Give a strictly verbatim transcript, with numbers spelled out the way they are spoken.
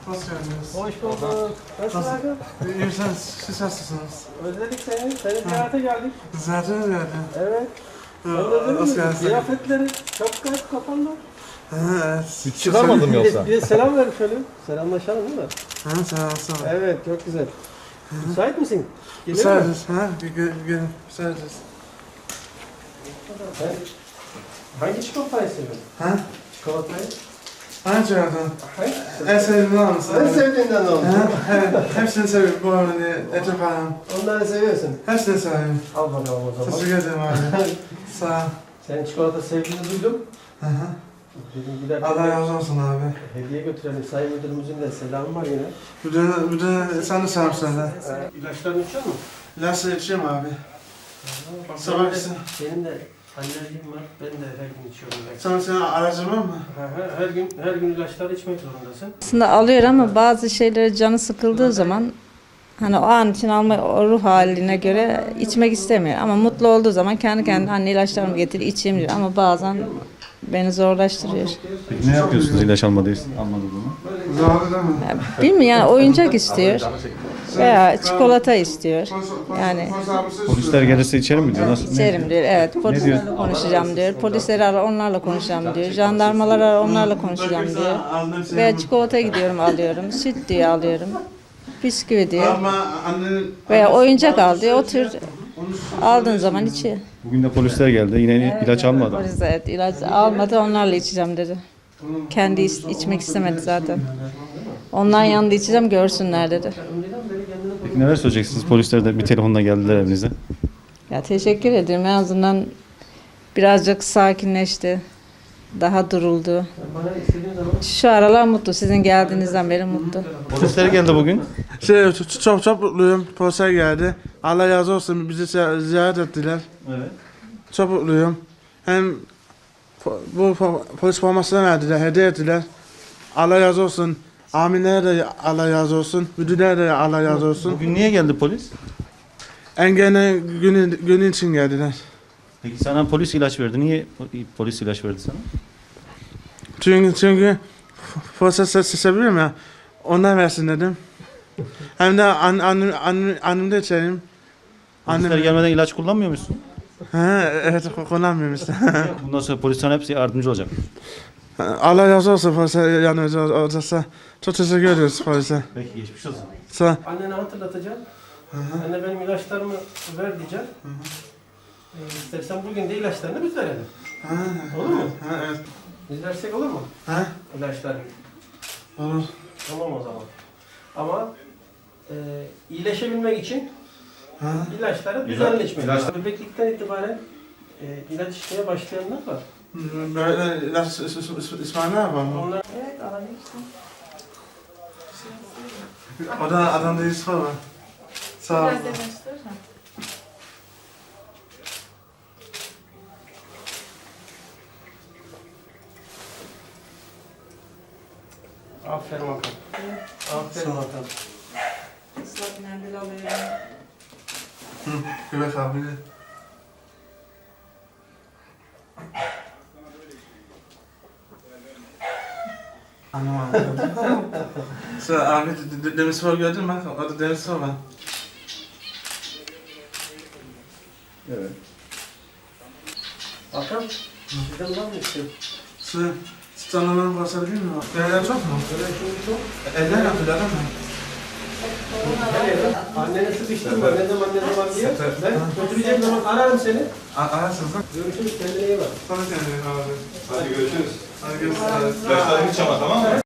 Hoş geldiniz. Hoş bulduk. Nasılsın abi? İyiyim, sen, siz nasılsınız? Özledik seni. Seni ziyarete geldik. Zaten öyle. Evet. Sen Ee, özledin Hoş mi? geldiniz. Kıyafetleri çok garip kapandı. Ha, evet. Çıkarmadım Bir yoksa. de, bir de selam ver şöyle. Selamlaşalım değil mi? Ha, sağ ol, sağ ol. Evet, çok güzel. Müsait misin? Gelir mi? Müsaadeniz, ha? Gelin, gelin. Müsaadeniz. Sen hangi çikolatayı seviyorsun? Ha? Çikolatayı? Hangi çağırdın? Hangi? En sevdiğin mısın? En sevdiğinden oldu. Ha, evet. Hepsini seviyorum bu arada. Ece falan. Onları seviyorsun. Hepsini seviyorum. Al bakalım o zaman. Teşekkür ederim abi. Sağ ol. Senin çikolata sevdiğini duydum. Hı hı. Dedim giderken Allah razı olsun abi. hediye götürelim. Sayın müdürümüzün de selamı var yine. Bir de, bir de sen de selam söyle. Ee, ilaçlarını içiyor musun? Lasla içeyim abi. Bak, Sabah benim de- gitsin. Benim de alerjim var. Ben de her gün içiyorum. Sen, senin aracın var mı? Her, her gün her gün ilaçları içmek zorundasın. Aslında alıyor ama bazı şeylere canı sıkıldığı zaman hani o an için alma o ruh haline göre içmek istemiyor. Ama mutlu olduğu zaman kendi kendine anne ilaçlarımı getir içeyim diyor. Ama bazen beni zorlaştırıyor. Peki ne yapıyorsunuz ilaç almadıyız, almadığını? Doğru değil mi? Ya, bilmiyorum yani oyuncak istiyor veya çikolata istiyor. Yani Polisler gelirse içerim mi diyor? Nasıl? içerim diyor. Evet polislerle konuşacağım diyor. Polisleri ara onlarla konuşacağım diyor. Jandarmaları ara onlarla konuşacağım diyor. Veya çikolata gidiyorum alıyorum. Süt diye alıyorum. Bisküvi diyor. Ama annen... Veya oyuncak al diyor. O tür aldığın zaman içiyor. Bugün de polisler geldi. Yine ilaç almadı. Polis evet ilaç almadı onlarla içeceğim dedi. Kendi iç- içmek istemedi zaten. Onların yanında içeceğim görsünler dedi. Peki neler söyleyeceksiniz? Polisler de bir telefonla geldiler evinize. Ya teşekkür ederim. En azından birazcık sakinleşti. Daha duruldu. Bana istediğin zaman Şu aralar mutlu. Sizin geldiğinizden beri mutlu. Polisler geldi bugün. Şey, ç- çok çok mutluyum. Polisler geldi. Allah razı olsun bizi zi- ziyaret ettiler. Evet. Çok mutluyum. Hem po- bu po- polis formasını verdiler, hediye ettiler. Allah razı olsun. Aminlere de Allah razı olsun. Müdürlere de Allah razı olsun. Bugün niye geldi polis? Engene günü, günü için geldiler. Peki sana polis ilaç verdi. Niye polis ilaç verdi sana? Çünkü çünkü polis sesi seviyorum ya. Ondan versin dedim. Hem de an, annem, annem, annem de içerim. Polisler Annem, gelmeden ilaç kullanmıyor musun? ha, evet kullanmıyorum işte. Bundan sonra polis sana hepsi yardımcı olacak. Allah razı olsun polise yanımızda olacaksa. Çok teşekkür ediyoruz polise. Peki geçmiş olsun. Sağ annene hatırlatacağım. Anne benim ilaçlarımı ver diyeceğim. Ee, istersen bugün de ilaçlarını biz verelim. Ha, Olur mu? ha, evet. Biz versek olur mu? Ha, İlaçları. olur. Tamam o zaman. Ama e, iyileşebilmek için Ha, ilaçları düzenli içmek lazım. Bebeklikten itibaren e, ilaç içmeye başlayanlar var. böyle ilaç is- is- is- İsmail'e var mı? Onlar Evet alabilirsin. O da adam değil sonra. Sağ ol. aferin bakalım. Aferin bakalım. Islak mendil alıyorum. Hı, Göbek abi. Anlamadım. Sonra abi de- de- Demir Spor gördün mü? O da Demir Spor var. Evet. Bakalım. Sizden var mı istiyor? Su, Stanlığın basabilir mi? Yerler çok mu? Böyle şimdi çok. Eller yaptılar ama. Annene sıkıştırma. Ne zaman ne zaman diye. Ben götüreceğim zaman ararım seni. Ararsınız lan. Görüşürüz. Kendine iyi bak. Sonra kendine abi. Hadi görüşürüz. Hadi görüşürüz. İlaçlarını hiç ama tamam mı?